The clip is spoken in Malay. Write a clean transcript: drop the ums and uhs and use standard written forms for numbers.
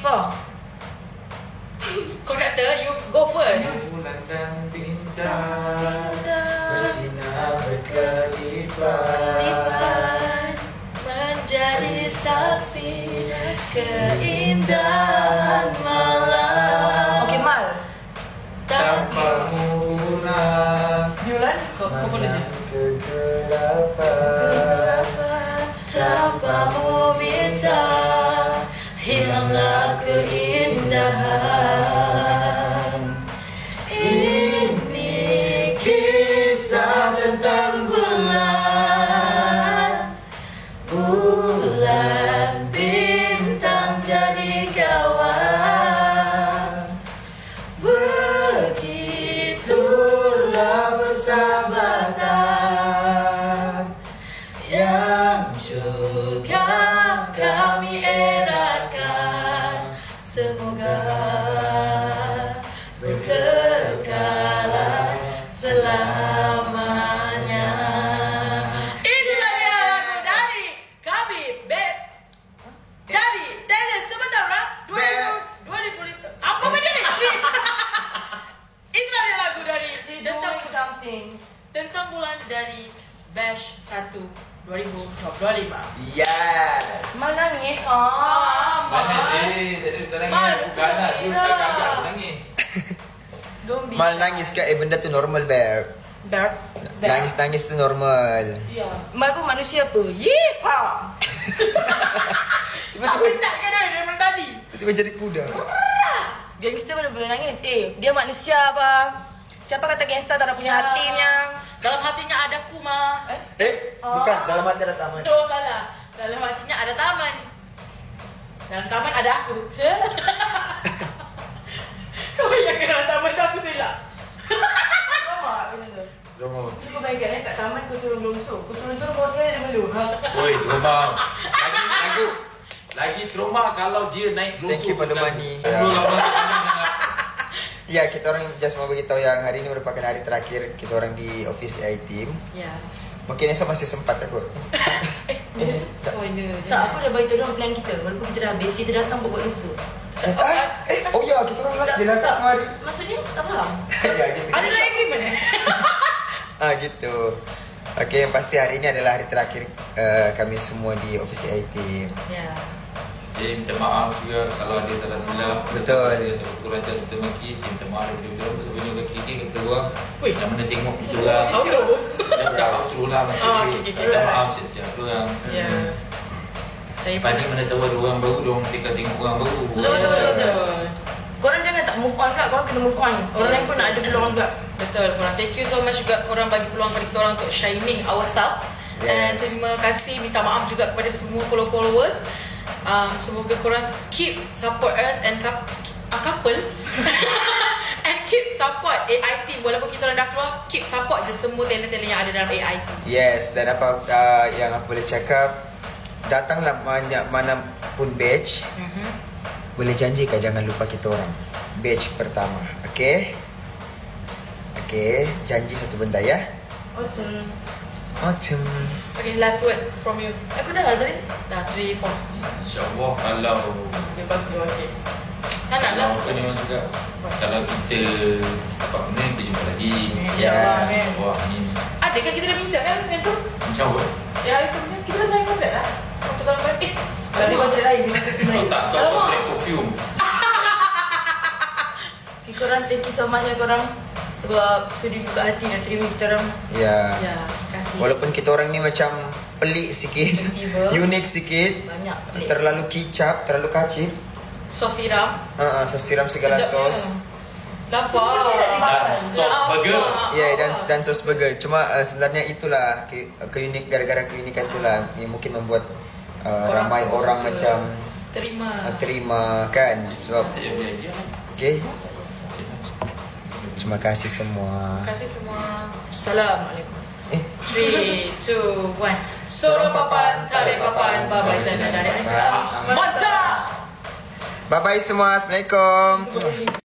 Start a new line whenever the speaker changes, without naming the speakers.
Syifa.
Konduktor, you go first.
Bulan dan bintang bersinar berkelipat,
menjadi saksi keindahan malam.
Okey, Mal.
tanpamu pulang
Yulan, kau boleh je.
kegelapan,
Tanpamu bintang, hilanglah keindahan. Ini kisah tentang bulan. Bulan bintang jadi kawan. Begitulah persahabatan yang juga kami eratkan. Semoga berkekalan selamanya. Inilah dia lagu dari kami, Beb. Dari Talent sebentar, orang. 2005. Apa benda ni? Shit. Inilah dia lagu dari tentang bulan dari Batch 1 2025.
Yes.
Mal nangis.
Mana dia? Tadi kita nangis. Bukan lah. Suruh kakak aku nangis.
Don't be
Mal
shy.
nangis ke benda tu normal, Beb.
Bear.
Nangis-nangis tu normal.
Ya.
Mal pun manusia apa? Yeehaw.
Tak penat ke dia daripada tadi?
Tiba-tiba jadi kuda.
Gangster mana boleh nangis? Dia manusia apa? Siapa kata gangster tak ada punya hatinya?
Dalam hatinya ada kuma.
Bukan. Dalam hati ada taman.
No, salah. Dalam hatinya ada taman. Dalam taman ada aku. Kau bayangkan dalam taman tu aku silap.
Sama macam tu.
Drama.
Kau bayangkan kat taman kau turun longsor. Kau turun-turun bawah sekali dia melu.
Oi, trauma. Lagi trauma kalau dia naik longsor.
Thank you for the money. Ya, kita orang just mau beritahu yang hari ini merupakan hari terakhir kita orang di office AI team.
Ya.
Mungkin esok masih sempat aku.
Oh, ini.
Tak, aku dah bagi tahu plan kita. Walaupun kita dah habis, kita datang buat lupa.
Oh ya, kita orang last dia datang kemari.
Maksudnya tak faham.
Ya, gitu.
Ada lagi agreement
Gitu. Okey, yang pasti hari ini adalah hari terakhir kami semua di office AI team.
Ya.
Jadi minta maaf juga kalau ada salah silap.
Betul.
Saya tak kurang ajar kita maki. Saya minta maaf daripada kita sebenarnya ke kiri ke keluar.
Wih.
Yang mana tengok kita orang.
Outro.
Dah tak outro lah macam
Oh,
ni.
okey, okey.
Minta maaf siap-siap tu orang.
Ya. Saya
Lepas ni mana tahu ada orang baru, diorang tinggal tengok orang baru.
Betul. Korang jangan tak move on pula. Korang kena move on. Orang lain pun nak ada peluang juga.
Betul korang. Thank you so much juga korang bagi peluang kepada kita orang untuk shining ourselves.
Yes.
And terima kasih, minta maaf juga kepada semua followers. Semoga korang keep support us and couple and keep support AI team. Walaupun kita orang dah keluar, keep support je semua talent-talent yang ada dalam AI team.
Yes, dan apa yang aku boleh cakap, datanglah mana pun batch. Boleh janjikan jangan lupa kita orang. Batch pertama. Okey? Okey, janji satu benda ya.
Awesome.
Autumn.
Okay, last word from you.
Aku dah lah tadi.
Dah 3, 4.
InsyaAllah kalau
Okay, bagus. Okay.
Tak nak lah.
apa ni orang juga. Kalau kita dapat benda, kita jumpa lagi.
InsyaAllah,
Yes.
kan.
Wah ni
Adakah kita dah bincang kan dengan tu?
InsyaAllah.
Hari tu kita dah sign kontrak lah. Untuk tahun depan.
Tapi kontrak lain. Dia masuk tim
Kalau
lain.
tak, kau kontrak perfume.
Okay, korang thank you so much ya korang. Sebab sudi buka hati dan terima kita orang.
Ya.
Ya, terima kasih.
Walaupun kita orang ni macam pelik sikit,
Tiba.
unik sikit,
Banyak pelik.
terlalu kicap, terlalu kacip.
Sos tiram.
Sos siram segala
Sedapnya.
sos.
Lapar.
Dan sos burger.
Ya, dan sos burger. Cuma sebenarnya itulah keunik, gara-gara keunikan itulah yang mungkin membuat
Korang
ramai
semua
orang
suka.
macam terima kan. Sebab
Saya biar
okey. Terima kasih semua.
Terima kasih semua.
Assalamualaikum.
3, 2, 1. Soro papan, tali papan, babai jana dari. Mantap.
Bye bye semua. Assalamualaikum.